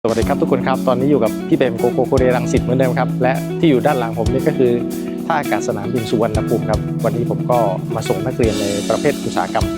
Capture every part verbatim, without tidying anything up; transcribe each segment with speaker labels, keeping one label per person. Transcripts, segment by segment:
Speaker 1: สวัสดีครับทุกคนครับตอนนี้อยู่กับพี่เปรมโกโกโคเรรังสิตเหมือนเดิมครับและที่อยู่ด้านหลังผมนี่ก็คือท่าอากาศสนามบินสุวรรณภูมิครับวันนี้ผมก็มาส่งนักเรียนในประเภทอุตสาหกรรม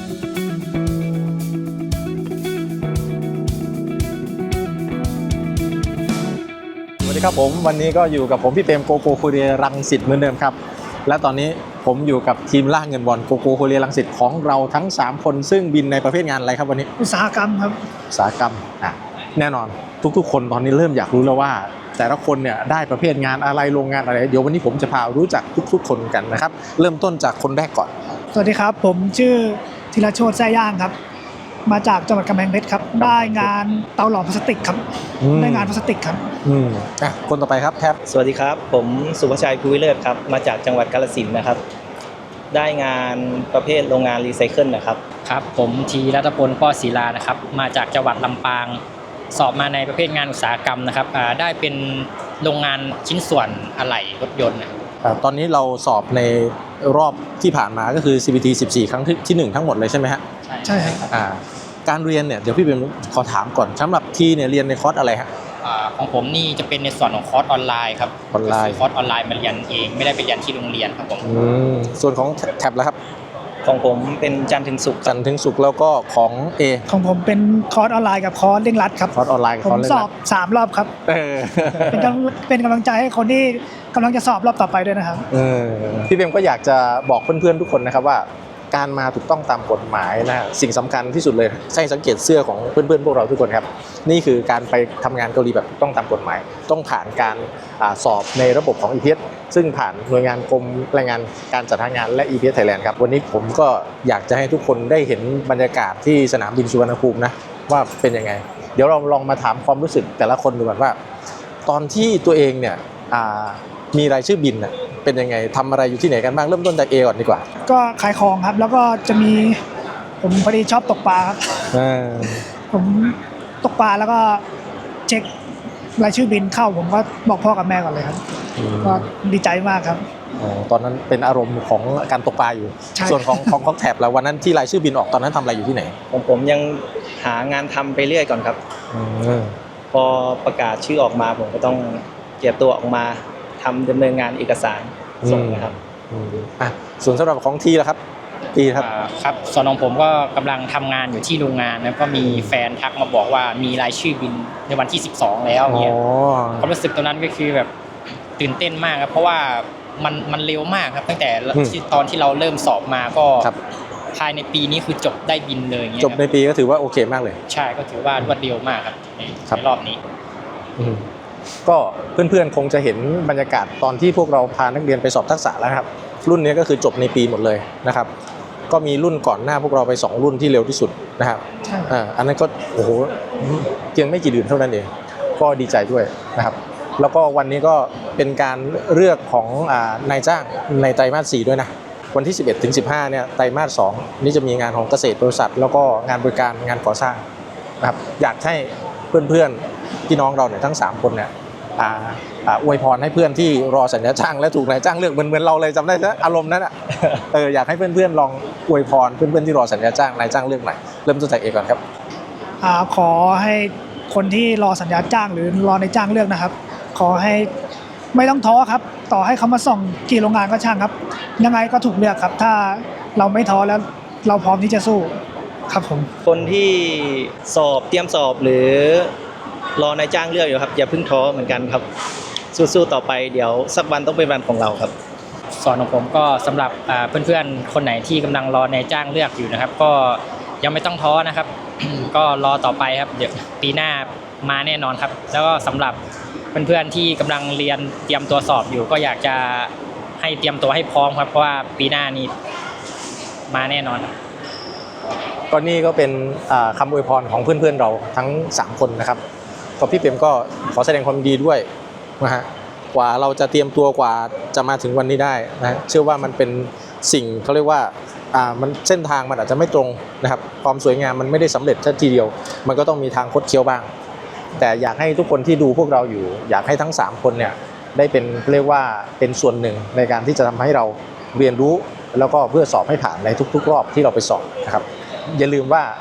Speaker 1: สวัสดีครับผมวันนี้ก็อยู่กับผมพี่เปรมโกโกโคเรรังสิตเหมือนเดิมครับและตอนนี้ผมอยู่กับทีมล่าเงินบอลโกโกโคเรรังสิตของเราทั้งสามคนซึ่งบินในประเภทงานอะไรครับวันนี้
Speaker 2: อุตสาหกรรมครับ
Speaker 1: อุตสาหกรรมอ่ะแน่นอนทุกๆคนตอนนี้เริ่มอยากรู้แล้วว่าแต่ละคนเนี่ยได้ประเภทงานอะไรโรงงานอะไรเดี๋ยววันนี้ผมจะพารู้จักทุกๆคนกันนะครับเริ่มต้นจากคนแรกก่อน
Speaker 2: สวัสดีครับผมชื่อธีรโชติแซ่ย่างครับมาจากจังหวัดกำแพงเพชรครับได้งานเตาหลอมพลาสติกครับได้งานพลาสติกครับ
Speaker 1: อืมอ่ะคนต่อไปครับแทบ
Speaker 3: สวัสดีครับผมสุภชัยภูวิเลิศครับมาจากจังหวัดกาฬสินธุ์นะครับได้งานประเภทโรงงานรีไซเคิลนะครับ
Speaker 4: ครับผมทีรัตพลป้อศิลานะครับมาจากจังหวัดลำปางสอบมาในประเภทงานอุตสาหกรรมนะครับได้เป็นโรงงานชิ้นส่วนอะไหล่รถยนต์
Speaker 1: ตอนนี้เราสอบในรอบที่ผ่านมาก็คือ ซี บี ที สิบสี่ ครั้งที่หนึ่งทั้งหมดเลยใช่ไหมฮะ
Speaker 2: ใช่ครับ
Speaker 1: อ่าการเรียนเนี่ยเดี๋ยวพี่เป็นขอถามก่อนสำหรับทีเนี่ยเรียนในคอร์สอะไรฮะ
Speaker 4: ของผมนี่จะเป็นในส่วนของคอร์สออนไลน์ครับ
Speaker 1: ออนไลน์
Speaker 4: คอร์สออนไลน์มาเรียนเองไม่ได้ไปเรียนที่โรงเรียนครับผม
Speaker 1: ส่วนของแท็บแล้วครับ
Speaker 3: ของผมเป็นจันทร์ถึงศุกร์
Speaker 1: จันทร์ถึงศุกร์แล้วก็ของ A
Speaker 2: ของผมเป็นคอร์สออนไลน์กับคอร์สเร่งรัดครับ
Speaker 1: คอร์สออนไลน์กับคอร์สเร่งรัด
Speaker 2: ผมสอบสามรอบครับเป็นกำเป็นกำลังใจให้คนที่กำลังจะสอบรอบต่อไปด้วยนะครับ
Speaker 1: พี่เบมก็อยากจะบอกเพื่อนๆทุกคนนะครับว่าการมาถูกต้องตามกฎหมายนะสิ่งสำคัญที่สุดเลยให้สังเกตเสื้อของเพื่อนๆพวกเราทุกคนครับนี่คือการไปทำงานเกาหลีแบบถูกต้องตามกฎหมายต้องผ่านการสอบในระบบของ อี พี เอส ซึ่งผ่านหน่วยงานกรมแรงงานการจัดหางานและ อี พี เอส Thailand ครับวันนี้ผมก็อยากจะให้ทุกคนได้เห็นบรรยากาศที่สนามบินสุวรรณภูมินะว่าเป็นยังไงเดี๋ยวเราลองมาถามความรู้สึกแต่ละคนดูก่อนว่าตอนที่ตัวเองเนี่ยมีรายชื่อบินเป็นยังไงทำอะไรอยู่ที่ไหนกันบ้างเริ่มต้นจาก A ก่อนดีกว่า
Speaker 2: ก็ขายของครับแล้วก็จะมีผมพอดีชอบตกปลาครับผมตกปลาแล้วก็เช็ครายชื่อบินเข้าผมก็บอกพ่อกับแม่ก่อนเลยครับก็ดีใจมากครับ
Speaker 1: ตอนนั้นเป็นอารมณ์ของการตกปลาอยู่ส่วนของของของแถบแล้ววันนั้นที่รายชื่อบินออกตอนนั้นทำอะไรอยู่ที่ไหน
Speaker 3: ผมผมยังหางานทำไปเรื่อยก่อนครับพอประกาศชื่อออกมาผมก็ต้องเก็บตัวออกมาทำดำเนินงานเอกสารส่งนะครับ
Speaker 1: อ่ะส่วนสำหรับของทีละครับทีครับ
Speaker 4: ครับส่วนของผมก็กำลังทำงานอยู่ที่โรงงานแล้วก็มีแฟนทักมาบอกว่ามีรายชื่อบินในวันที่สิบสองแล้วเนี่ยความรู้สึกตอนนั้นก็คือแบบตื่นเต้นมากครับเพราะว่ามันมันเร็วมากครับตั้งแต่ตอนที่เราเริ่มสอบมาก็ภายในปีนี้คือจบได้บินเลย
Speaker 1: จบในปีก็ถือว่าโอเคมากเลย
Speaker 4: ใช่ก็ถือว่ารวดเร็วมากครับในรอบนี้
Speaker 1: ก็เพื่อนๆคงจะเห็นบรรยากาศตอนที่พวกเราพานักเรียนไปสอบทักษะแล้วครับรุ่นนี้ก็คือจบในปีหมดเลยนะครับก็มีรุ่นก่อนหน้าพวกเราไปสองรุ่นที่เร็วที่สุดนะครับอ่าอันนั้นก็โอ้โหเพียงไม่กี่เดือนเท่านั้นเองก็ดีใจด้วยนะครับแล้วก็วันนี้ก็เป็นการเลือกของอ่านายจ้างในไตรมาสสี่ด้วยนะวันที่สิบเอ็ดถึงสิบห้าเนี่ยไตรมาสสองนี่จะมีงานของเกษตรบริษัทแล้วก็งานบริการงานก่อสร้างนะครับอยากให้เพื่อนๆพี่น้องเราเนี่ยทั้งสามคนเนี่ยอ่าอ่าอวยพรให้เพื่อนที่รอสัญญาจ้างและถูกนายจ้างเลือกเหมือนเหมือนเราเลยจำได้ไหมอารมณ์นั้นอ่ะเอออยากให้เพื่อนๆลองอวยพรเพื่อนๆที่รอสัญญาจ้างนายจ้างเลือกหน่อยเริ่มต้นจากเอก่อนครับ
Speaker 2: อ่าขอให้คนที่รอสัญญาจ้างหรือรอนายจ้างเลือกนะครับขอให้ไม่ต้องท้อครับต่อให้เขามาส่งกี่โรงงานก็ช่างครับยังไงก็ถูกเลือกครับถ้าเราไม่ท้อแล้วเราพร้อมที่จะสู้ครับผม
Speaker 3: คนที่สอบเตรียมสอบหรือรอนายจ้างเลือกอยู่ครับอย่าเพิ่งท้อเหมือนกันครับสู้ๆต่อไปเดี๋ยวสักวันต้องเป็นวันของเราครับ
Speaker 4: ส่วนของผมก็สำหรับเพื่อนๆคนไหนที่กำลังรอนายจ้างเลือกอยู่นะครับก็ยังไม่ต้องท้อนะครับ ก็รอต่อไปครับเดี๋ยวปีหน้ามาแน่นอนครับแล้วก็สำหรับเพื่อนๆที่กำลังเรียนเตรียมตัวสอบอยู่ก็อยากจะให้เตรียมตัวให้พร้อมครับเพราะว่าปีหน้านี้มาแน่นอน
Speaker 1: ก็นี่ก็เป็นคำอวยพรของเพื่อนๆเราทั้งสามคนนะครับก็พี่เปรมก็ขอแสดงความดีด้วยนะฮะกว่าเราจะเตรียมตัวกว่าจะมาถึงวันนี้ได้นะเชื่อว่ามันเป็นสิ่งเขาเรียกว่าอ่ามันเส้นทางมันอาจจะไม่ตรงนะครับความสวยงามมันไม่ได้สำเร็จแค่ทีเดียวมันก็ต้องมีทางคดเคี้ยวบ้างแต่อยากให้ทุกคนที่ดูพวกเราอยู่อยากให้ทั้งสามคนเนี่ยได้เป็นเรียกว่าเป็นส่วนหนึ่งในการที่จะทำให้เราเรียนรู้แล้วก็เพื่อสอบให้ผ่านในทุกๆรอบที่เราไปสอบนะครับอย่าลืมว่า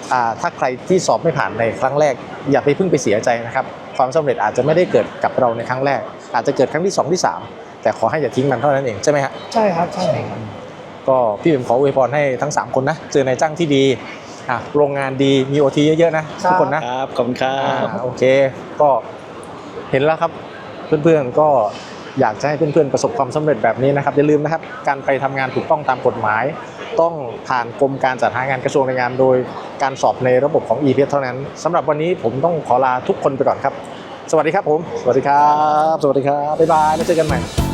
Speaker 1: อ่าถ้าใครที่สอบไม่ผ่านในครั้งแรกอย่าไปเพิ่งไปเสียใจนะครับความสำเร็จอาจจะไม่ได้เกิดกับเราในครั้งแรก อาจจะเกิดครั้งที่สองที่สามแต่ขอให้อย่าทิ้งมันเท่านั้นเองใช่ไหมฮะ
Speaker 2: ใช่ครับใช่ครับ
Speaker 1: ก็พี่ผมขออวยพรให้ทั้งสามคนนะเจอนายจ้างที่ดีอ่ะโรงงานดีมี โอ ที เยอะๆนะทุกคนนะครับ
Speaker 3: ขอบคุณครั
Speaker 1: อ่า
Speaker 3: บ
Speaker 1: โอเคก็เห็นแล้วครับเพื่อนๆก็อยากจะให้เพื่อนๆประสบความสำเร็จแบบนี้นะครับอย่าลืมนะครับการไปทำงานถูกต้องตามกฎหมาย ต้องผ่านกรมการจัดหางานกระทรวงแรงงานโดยการสอบในระบบของ อี พี เอส เท่านั้นสำหรับวันนี้ผมต้องขอลาทุกคนไปก่อนครับ สวัสดีครับผมสวัสดีครับ สวัสดีครับบ๊ายบายแล้วเจอกันใหม่